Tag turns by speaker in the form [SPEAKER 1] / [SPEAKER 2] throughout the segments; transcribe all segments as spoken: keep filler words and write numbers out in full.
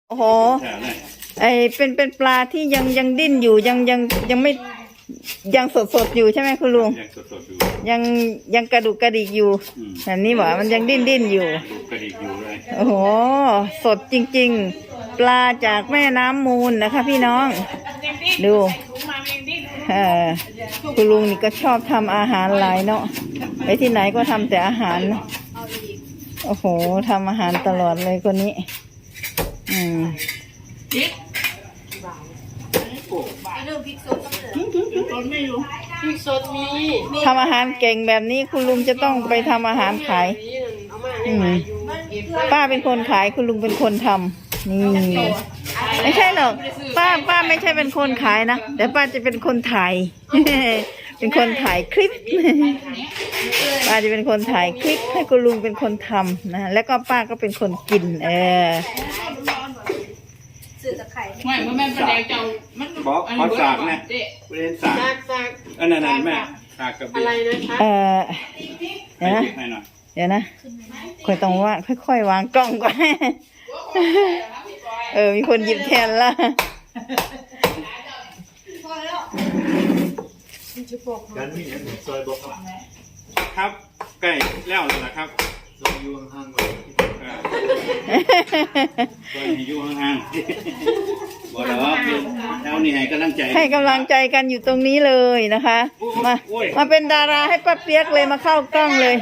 [SPEAKER 1] โอ้โหไอเป็นเป็นปลาที่ยังยังดิ้นอยู่ยังยังยังไม่ยังสดสดอยู่ใช่ไหมคุณลุงยังสดสดอยู่ยังยังกระดูกกระดิกอยู่แบบนี้หว่ามันยังดิ้นดิ้นอยู่กระดิกอยู่เลยโอ้โหสดจริงๆปลาจากแม่น้ำมูลนะคะพี่น้องดูเออคุณลุงนี่ก็ชอบทำอาหารหลายเนาะไปที่ไหนก็ทำแต่อาหารโอ้โหทำอาหารตลอดเลยคนนี้อืมทำอาหารเก่งแบบนี้คุณลุงจะต้องไปทำอาหารขายอืมป้าเป็นคนขายคุณลุงเป็นคนทำนี่ไม่ใช่หรอกป้าป้าไม่ใช่เป็นคนขายนะแต่ป้าจะเป็นคนถ่ายเป็นคนถ่ายคลิปป้าจะเป็นคนถ่ายคลิปให้คุณลุงเป็นคนทำนะแล้วก็ป้าก็เป็นคนกินเออ
[SPEAKER 2] ไม่เมื่อแม่ประเดี๋ยวเจ้ามัน
[SPEAKER 3] บอกขอสากนะเรียนสากสากอันนั้นนั่นแม่สากกับอะไรนะคะ
[SPEAKER 1] เออเดี๋ยวนะเดี๋ยวนะค่อยต้องว่าค่อยๆวางกล้องก่อนเออมีคนหยิบแทนละ
[SPEAKER 3] กันนี่เนี่ยซอยบอกครับใกล้แล้วเลยนะครับซอยอยู่ห่างๆเลยซอยอยู่ห่างๆบอกแล้วแล้วนี่ให้กำลังใจ
[SPEAKER 1] ให้กำลังใจกันอยู่ตรงนี้เลยนะคะมามาเป็นดาราให้ป้าเปียกเลยมาเข้ากล้องเลย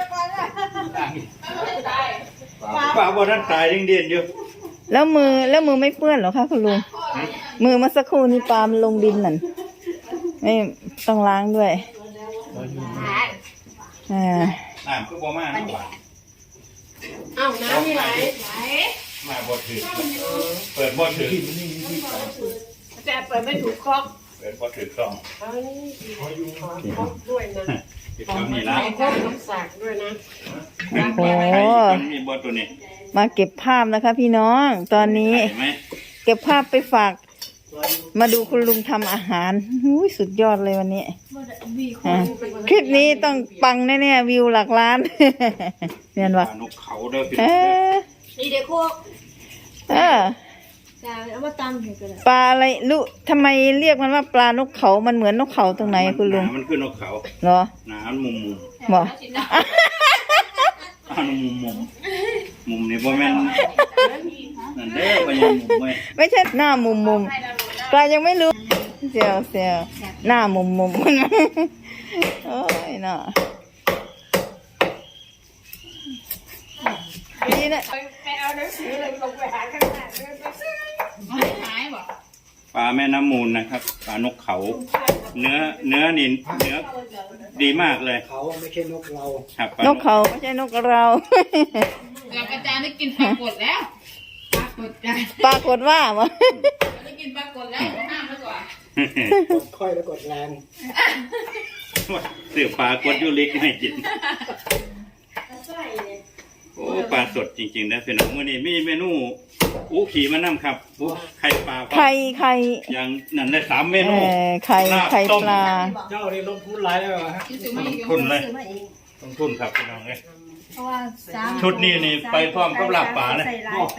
[SPEAKER 3] ป้าบอกท่านตายเด่นๆอยู่
[SPEAKER 1] แล้วมือแล้วมือไม่เปื้อนหรอคะคุณลุงมือมาสักครู่นี้ปลามันลงดินนั่นไม่ต้องล้างด้วยอ่า
[SPEAKER 3] น้ำก็บ่มา
[SPEAKER 2] อ้าวน้ำมีไหล
[SPEAKER 3] มาบ่ถือเปิดบ่ถือ
[SPEAKER 2] แต่เปิดไม่ถูกครอบ
[SPEAKER 3] เปิดบ่ถือกล่อง
[SPEAKER 2] ด้วยนะ
[SPEAKER 3] ทำนี่ละ
[SPEAKER 2] น้ำสากด้วยนะ
[SPEAKER 1] โอ้โห
[SPEAKER 3] มีบ่ตัวนี้
[SPEAKER 1] มาเก็บภาพนะคะพี่น้องตอนนี้เก็บภาพไปฝากมาดูคุณลุงทำอาหารหุ้ยสุดยอดเลยวันนี้คลิปนี้ต้องปังแน่ๆวิวหลักล้านเนียนวะ
[SPEAKER 3] นกเขาเด้อ
[SPEAKER 2] นี่เด็กพวก
[SPEAKER 1] เออ
[SPEAKER 2] เอามาตำให้กัน
[SPEAKER 1] ปลาอะไรลูกทำไมเรียกมันว่าปลานกเขามันเหมือนนกเขาตรงไหนคุณลุง
[SPEAKER 3] มันคือนกเขา
[SPEAKER 1] เหรอ
[SPEAKER 3] หนามุมมุม
[SPEAKER 1] บอก
[SPEAKER 3] อ่ามุมมุมมุมนี่บ่แม่นนั่นเด้อบ่ยังมุมไม่
[SPEAKER 1] ไม่ใช่หน้ามุมมุมปลายังไม่รู้เซลเซลหน้ามุมมุมโอ้ยน่ะดีนะ
[SPEAKER 2] ไปเอาหนังสือเลยลงไปหาข้างหน้าไม่หายบ่
[SPEAKER 3] ปลาแม่น้ำมูลนะครับปลานกเขาเนื้อเนื้อนินเนื้อดีมากเลย
[SPEAKER 4] เขาไม่ใช่นกเรา
[SPEAKER 3] ครับ
[SPEAKER 1] นกเขาไม่ใช่นกเรา
[SPEAKER 2] แต่อาจารย์ได้กินปลากดแล้วปลากดกัน
[SPEAKER 1] ปลากดว่ามั้ง
[SPEAKER 2] ได้กินปลากดแล้วห้ามแล้วกว่
[SPEAKER 4] ากดค่อยแล้วกดแรง
[SPEAKER 3] เสือปลากดยูริกให้กินโอ้ปลาสดจริงๆนะพี่น้องวันนี้มีเมนูอู้ขี่มานั่งครับอู้ไข่ปลา
[SPEAKER 1] ไข่ไข่
[SPEAKER 3] อย่างนั่นได้สามเมนู
[SPEAKER 1] ไข่ไข่ปลา
[SPEAKER 4] เจ้านี่ลงทุนหลายแล้วฮะ
[SPEAKER 3] ลงทุนเลยลงทุนครับพี่น้องเลยชุดนี้นี่ไปพร้อมกับลาบปลาเลย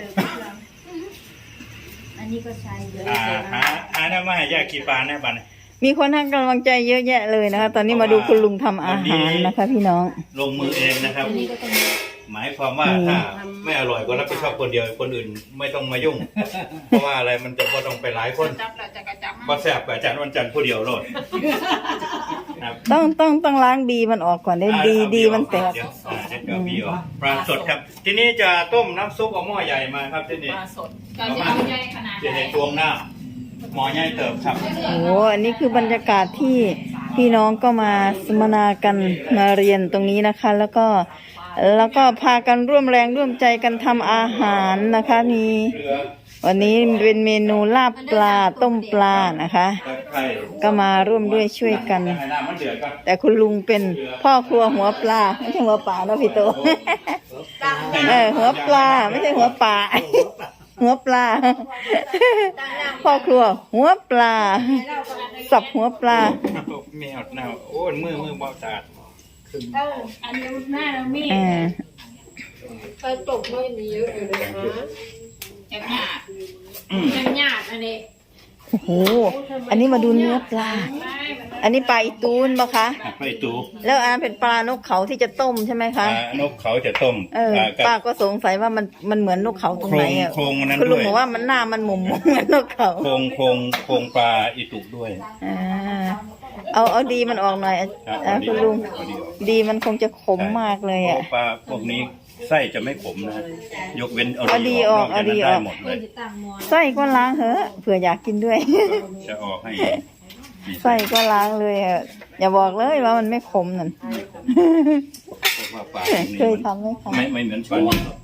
[SPEAKER 2] อันนี้ก็ใช้เยอะ
[SPEAKER 3] หาหาได้มาให้ยาขี่ปลาแน่บ้าน
[SPEAKER 1] มีคนให้กำลังใจเยอะแยะเลยนะคะตอนนี้มาดูคุณลุงทำอาหารนะคะพี่น้อง
[SPEAKER 3] ลงมือเองนะครับหมายความว่าถ้าไม่อร่อยก็รับผิดชอบคนเดียวคนอื่นไม่ต้องมายุ่งเพราะว่าอะไรมันจะก็ต้องไปหลายคนบ่แซ่บอาจารย์วันจันทร์ผู้เดียวโลด
[SPEAKER 1] ต้องต้องต้องล้างดีมันออกก่อนได้ดีดีมันแตก
[SPEAKER 3] เดี๋ยวบีออกปลาสดครับทีนี้จะต้มน้ำซุปเอาหม้อใหญ่มาครับที่นี่
[SPEAKER 2] ปลาสดจะเอาใหญ่ขนาด
[SPEAKER 3] จะในตวงหน้าหม้อใหญ่เติบครับ
[SPEAKER 1] โอ้อันนี้คือบรรยากาศที่พี่น้องก็มาสัมมนากันมาเรียนตรงนี้นะคะแล้วก็แล้วก็พากันร่วมแรงร่วมใจกันทำอาหารนะคะมีวันนี้เป็นเมนูลาบปลาต้มปลานะคะก็มาร่วมด้วยช่วยกันแต่คุณลุงเป็นพ่อครัวหัวปลาไม่ใช่หัวปลานะพี่โตเออหัวปลาไม่ใช่หัวปลาหัวปลาพ่อครัวหัวปลาสับหัวปลา
[SPEAKER 3] แมวหน้าโอ้ยมือมือบ่สะอาด
[SPEAKER 2] เอออันนี้หน้าเรามีไปตกไม่มีเยอะเลยนะจังหยาดจังหยาดอันนี้
[SPEAKER 1] โอ้โหอันนี้มาดูเนื้อปลา อันนี้ปลาอีตูนปะคะ
[SPEAKER 3] ไปตู
[SPEAKER 1] แล้วอันเป็นปลานกเขาที่จะต้มใช่ไหม
[SPEAKER 3] ป
[SPEAKER 1] คะ
[SPEAKER 3] ลานกเขาจะต้ม
[SPEAKER 1] เออ
[SPEAKER 3] อ่ากับ
[SPEAKER 1] ป้าก็สงสัยว่ามันมันเหมือนนกเขาตรงไหนอ่ะ
[SPEAKER 3] โครงโครงอันนั้น
[SPEAKER 1] คุณลุง
[SPEAKER 3] ด้วย
[SPEAKER 1] บอกว่ามันหน้ามันหมุมๆเหมือนนกเขา
[SPEAKER 3] โครงโครงโครงปลาอีตุกด้วย
[SPEAKER 1] อ่าเอาเอาดีมันออกหน่อยอ่ะ
[SPEAKER 3] ครับ
[SPEAKER 1] อ่ะ
[SPEAKER 3] เอาดี
[SPEAKER 1] คุณลุง
[SPEAKER 3] เอาดีออก
[SPEAKER 1] ดีมันคงจะขมมากเลยอ่ะ
[SPEAKER 3] ปลาพวกนี้ไส้จะไม่ขมนะยกเว้นเอา
[SPEAKER 1] เอาดี
[SPEAKER 3] ดี
[SPEAKER 1] อ
[SPEAKER 3] อ
[SPEAKER 1] อ
[SPEAKER 3] อก กนอกจากนั้น
[SPEAKER 1] เอาดีอ
[SPEAKER 3] ได้
[SPEAKER 1] อก
[SPEAKER 3] หมดเลย
[SPEAKER 1] ไส้ก็ล้างเหอะเผื่ออยากกินด้วย
[SPEAKER 3] จะออกให้มี
[SPEAKER 1] ไส้ก็ล้างเลยอ่ะอย่าบอกเลยว่ามันไม่ขมนั่น
[SPEAKER 3] เพราะว่าปลาพวกนี้
[SPEAKER 1] เคย
[SPEAKER 3] มัน
[SPEAKER 1] ทำไหมคะ
[SPEAKER 3] ไม่ไม่เหมือนปลานี้หรอก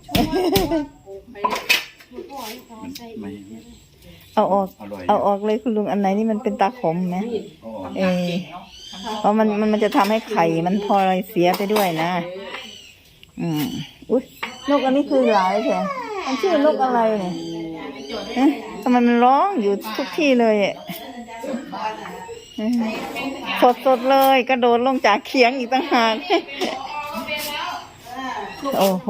[SPEAKER 3] มันไม่
[SPEAKER 1] เอาออก
[SPEAKER 3] อร่อย
[SPEAKER 1] เอาออกเลยคุณลุงอันไหนนี่มันเป็นตาขมไหม
[SPEAKER 3] เอาออก
[SPEAKER 1] เออเพราะมันมันมันจะทำให้ไข่มันพลอยเสียไปด้วยนะ อืมอุ้ยนกอันนี้คือหลายใช่มันชื่อนกอะไรเนี่ยเอ๊ะทำไมมันร้องอยู่ทุกที่เลยอ่ะสดสดๆเลยกระโดดลงจากเขียงอีกต่างหาก โอ้โห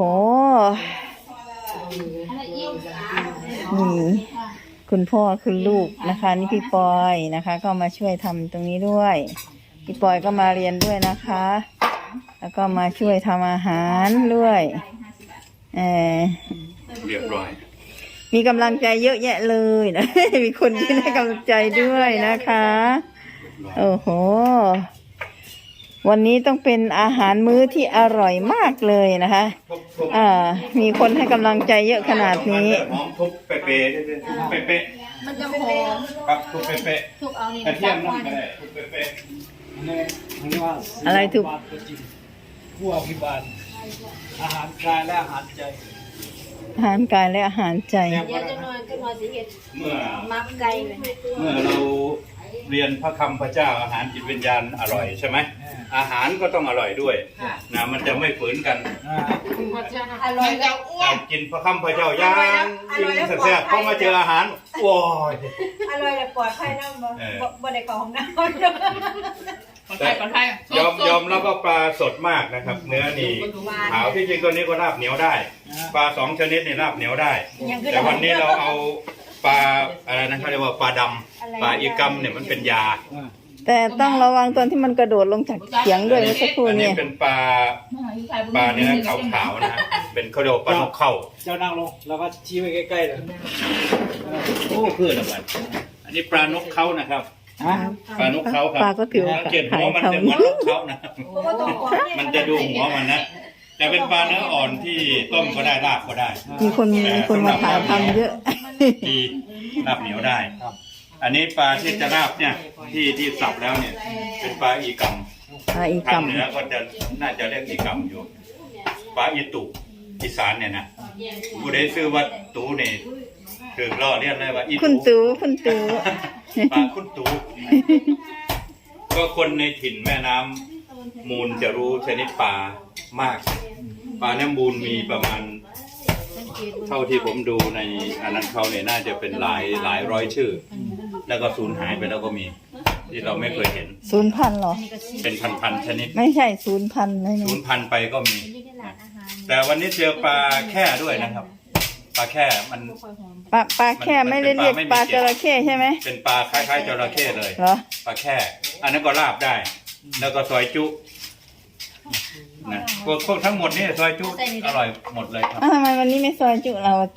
[SPEAKER 1] นี่คุณพ่อคุณลูกนะคะ นี่พี่ปอยนะคะ ก็มาช่วยทำตรงนี้ด้วย พี่ปอยก็มาเรียนด้วยนะคะ แล้วก็มาช่วยทำอาหารด้วยเออ
[SPEAKER 3] เรียบร้อย
[SPEAKER 1] มีกำลังใจเยอะแยะเลยนะ มีคนที่ให้กำลังใจด้วยนะคะ โอ้โห วันนี้ต้องเป็นอาหารมื้อที่อร่อยมากเลยนะคะ อ่า มีคนให้กำลังใจเยอะขนาดนี้
[SPEAKER 3] หอมทุบเป๊ะๆด้วยๆทุบเป๊ะ
[SPEAKER 2] มันจะหอม
[SPEAKER 3] ๆครับทุบเป๊ะ
[SPEAKER 2] ทุกเอานี่
[SPEAKER 3] ๆกระเทียมนั่นก็ได้ทุบเป๊ะ
[SPEAKER 4] อันนี้อันนี้ว่า
[SPEAKER 1] อะไรถูก
[SPEAKER 4] บาลตัวจริงผู้อภิบาลอาหารกายและอาหารใจ
[SPEAKER 1] อาหารกายและอาหารใจ
[SPEAKER 2] เดี๋ยวจะนอนก็นอนสิเห็ด
[SPEAKER 3] ๆเมื่อ
[SPEAKER 2] มักไก่เลย
[SPEAKER 3] เมื่อเราเรียนพระคำพระเจ้าอาหารจิตวิญญาณอร่อยใช่ไหมอาหารก็ต้องอร่อยด้วยนะมันจะไม่ฝืนกัน
[SPEAKER 4] อ่า
[SPEAKER 2] อร่อยแล้วอ้ว
[SPEAKER 3] แต่
[SPEAKER 2] น
[SPEAKER 3] กินพระคำพระเจ้าย่างกินแซ่บๆพอมาเจออาหารโอ้ย
[SPEAKER 2] อร่อยแต่ปลอดภัยนะบ่
[SPEAKER 3] เออ
[SPEAKER 2] บ่บ่ได้เข้าห้องน้ำ
[SPEAKER 3] แต่ยอมยอมรับว่าปลาสดมากนะครับ เนื้อนี่ขาวที่จริงตัวนี้ก็ราบเหนียวได้ ปลาสองชนิดนี่ราบเหนียวได้ แต่วันนี้เราเอาปลาอะไรนะเขาเรียกว่าปลาดำปลาอีกัมเนี่ยมันเป็นยา
[SPEAKER 4] อ่า
[SPEAKER 1] แต่ต้องระวังตอนที่มันกระโดดลงจากเขียงด้วยเมื่อสักครู่
[SPEAKER 3] อันนี้
[SPEAKER 1] เนี่ย
[SPEAKER 3] เป็นปลาปลาเนื้อขาวๆนะฮะเป็นเขาเรียกว่าปลานกเข้า
[SPEAKER 4] เจ้านั่งลงแล้วก็ชี้ไว้ใกล้ๆเลย
[SPEAKER 3] โอ้คือละมันอันนี้ปลานกเขานะครับ
[SPEAKER 4] ฮะ
[SPEAKER 3] ปลานกเขาครับ
[SPEAKER 1] ปลาก็ถือ
[SPEAKER 3] สังเกตหั
[SPEAKER 1] ขายว
[SPEAKER 3] มัน
[SPEAKER 1] เขา
[SPEAKER 3] จะเหมือนนกเขานะครับ มันจะดูหัวมันนะ แต่เป็นปลาเนื้ออ่อนที่ต้มก็ได้ลาบก็ได้
[SPEAKER 1] มีคนมีคนมาถ่ายทำเยอะ
[SPEAKER 3] ดีลาบเหนียวได้ อันนี้ปลาที่จะลาบเนี่ยที่ที่สับแล้วเนี่ย เป็นปลาอีกัม
[SPEAKER 1] ปลาอี
[SPEAKER 3] ทาง
[SPEAKER 1] กัม
[SPEAKER 3] เหนือก็จะน่าจะเรียกอีกัมอยู่ ปลาอีตุอีสานเนี่ยนะผู้ใดซื้อว่าตูเนี่ยคือล่อเรียกเลยว่าอี
[SPEAKER 1] คุณตูคุณตู
[SPEAKER 3] ปลาคุณตู ก็คนในถิ่นแม่น้ำมูลจะรู้ชนิดปลามาก ปลาน้ำมูลมีประมาณ เท่าที่ผมดูในอันนั้นเขาเนี่ยน่าจะเป็นหลายหลายร้อยชื่อ แล้วก็สูญหายไปแล้วก็มี ที่เราไม่เคยเห็น
[SPEAKER 1] ศูนย์พันเหรอ
[SPEAKER 3] เป็นพันๆชนิด
[SPEAKER 1] ไม่ใช่ศูนย์พันไม่
[SPEAKER 3] สู
[SPEAKER 1] ไม่
[SPEAKER 3] ญพันธุ์ไปก็มี แต่วันนี้เจอปลาแค่ด้วยนะครับ ปลาแค่มัน
[SPEAKER 1] ปลาปลาแค่ไม่ได้เรียกปลาจระเข้ใช่ไหม
[SPEAKER 3] เป็นปลาคล้ายๆจระเข้เลย
[SPEAKER 1] เหรอ
[SPEAKER 3] ปลาแค่ อันนั้นก็ลาบได้ แล้วก็ซอยจุนะพวกพวกทั้งหมดนี่ซอยจุอร่อยหมดเลยครับ
[SPEAKER 1] อ้าวทำไมวันนี้ไม่ซอยจุเราอะติ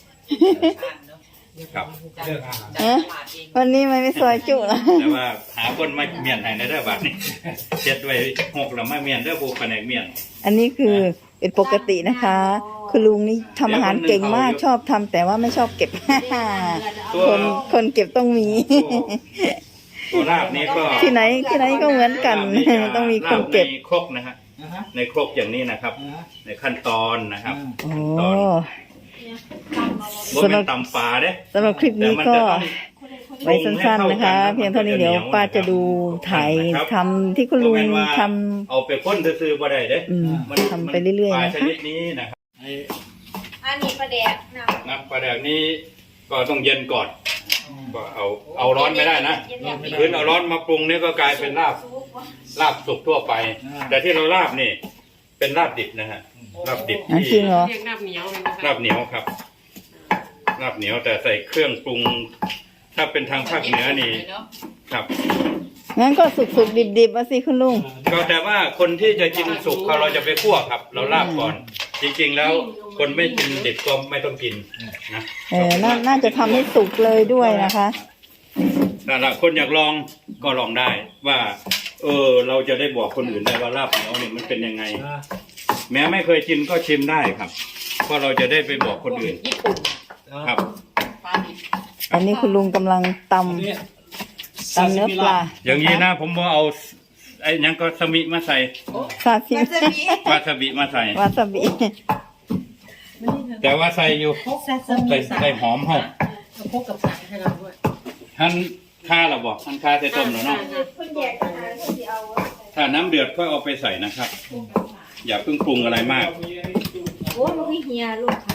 [SPEAKER 3] ครับ
[SPEAKER 4] เรื่องอาหาร
[SPEAKER 1] ฮะวันนี้มันไม่ซอยจุเรา
[SPEAKER 3] แต่ว่าหาคนมาเมียนให้ในเด้อบัดนี้เช็ดไว้หกแล้วมาเมียนเด้อผู้แผนกเมียน
[SPEAKER 1] อันนี้คือเป็นปกตินะคะ คุณลุงนี่ทำอาหารเก่งมากชอบทำแต่ว่าไม่ชอบเก็บ คนคนเก็บต้องมี
[SPEAKER 3] ตัวลาบนี้ก็
[SPEAKER 1] ที่ไหนที่ไหนก็เหมือนกัน
[SPEAKER 3] ลาบนี่จะ
[SPEAKER 1] ต้องมีคนเก็บ
[SPEAKER 3] ลาในครกนะฮะ
[SPEAKER 4] นะฮะ
[SPEAKER 3] ในครกอย่างนี้นะครับ
[SPEAKER 4] นะฮะ
[SPEAKER 3] ในขั้นตอนนะครับ
[SPEAKER 1] โอ้
[SPEAKER 3] ตอนบ่
[SPEAKER 1] สำห
[SPEAKER 3] เป็
[SPEAKER 1] รับ
[SPEAKER 3] นตำปลาเด้
[SPEAKER 1] สำหรับคลิปนี้ก็ไว้สั้นๆนะคะ เพียงเท่านี้เดี๋ยวป้าจะดูถ่ายทำที่คุณลุงทำ
[SPEAKER 3] เอาไปพ่นซื้อๆบ่ได้เด้
[SPEAKER 1] อืม
[SPEAKER 3] มัน
[SPEAKER 1] ทำไปเรื่อยๆ
[SPEAKER 3] ปลา
[SPEAKER 1] นะคะ
[SPEAKER 3] ชนิดนี้นะครับ
[SPEAKER 4] ไอ้
[SPEAKER 2] อันนี้ปลาแดกนะ
[SPEAKER 3] น้ำปลาแดกนี้ก็ต้องเย็นก่อนก็เอาเอาร้อนไม่ได้นะคืนเอาร้อนมาปรุงนี่ก็กลายเป็นลาบลาบสุกทั่วไป แต่ที่เราลาบนี่ เป็นลาบดิบนะฮะลาบดิบ
[SPEAKER 1] อ่ะ
[SPEAKER 3] ที่
[SPEAKER 1] จริงเหรอ
[SPEAKER 5] เรียกน้ำเหนียวเลยนะคะ
[SPEAKER 3] ลาบเหนียวครับลาบเหนียวแต่ใส่เครื่องปรุง ถ้าเป็นทางภาคเหนือนี่ครับ
[SPEAKER 1] งั้นก็สุกสุกดิบดิบๆมาสิคุณลุง
[SPEAKER 3] ก็แต่ว่าคนที่จะกินสุกเขาเราจะไปคั่วครับ เราลาบก่อน จริงๆแล้วคนไม่กินดิบก็ไม่ต้องกินนะ
[SPEAKER 1] เออนาน่าจะทำให้สุกเลยด้วยนะคะ
[SPEAKER 3] แต่ละคนอยากลองก็ลองได้ว่า เออ เราจะได้บอกคนอื่นได้ว่าลาบเหนียวเนี่ยมันเป็นยังไง
[SPEAKER 4] นะ
[SPEAKER 3] แม้ไม่เคยกินก็ชิมได้ครับ เพราะเราจะได้ไปบอกคนอื่น
[SPEAKER 2] ญี่ปุ่น
[SPEAKER 3] ครับ
[SPEAKER 2] ปลาดิบ
[SPEAKER 1] อันนี้คุณลุงกำลังต
[SPEAKER 4] อันนี้
[SPEAKER 1] ำตำเนื้อปลา
[SPEAKER 3] อย่างนี้นะผมว่าเอาไอ้หยังก็สมิมาใส่
[SPEAKER 1] ซาซิ
[SPEAKER 2] มันจะมี
[SPEAKER 3] วาซาบิมาใส่
[SPEAKER 1] วาซาบิ
[SPEAKER 3] แต่ว่าใส่อยู่
[SPEAKER 2] แซ่บๆ
[SPEAKER 3] ใส่ใส่หอมหอม
[SPEAKER 2] เอาพกกับสายให้เราด้วย
[SPEAKER 3] ท่านค่าเราบอกท่านค่าใส่ต้มแล้วเนาะ
[SPEAKER 2] คนแยกอาหารคนที่เอา
[SPEAKER 3] ถ้าน้ำเดือดก็เอาไปใส่นะครับ อย่าเพิ่งปรุงอะไรมาก
[SPEAKER 2] โอ้มันมีเฮียลูกค่ะ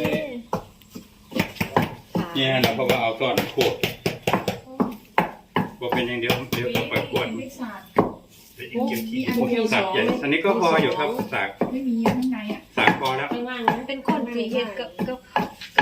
[SPEAKER 3] เนี่ยเราก็เอาก้อนขวดว่าเป็นอย่างเดียวเดี๋ยวต้องไปขวดสักใหญ่อันนี้ก็พออยู่ครับสัก
[SPEAKER 2] ไม่มีข้างในอ่ะ
[SPEAKER 3] สักพอแล้ว
[SPEAKER 2] ข้างล่างนั้นเป็นคนที่เฮ็ดกับกับ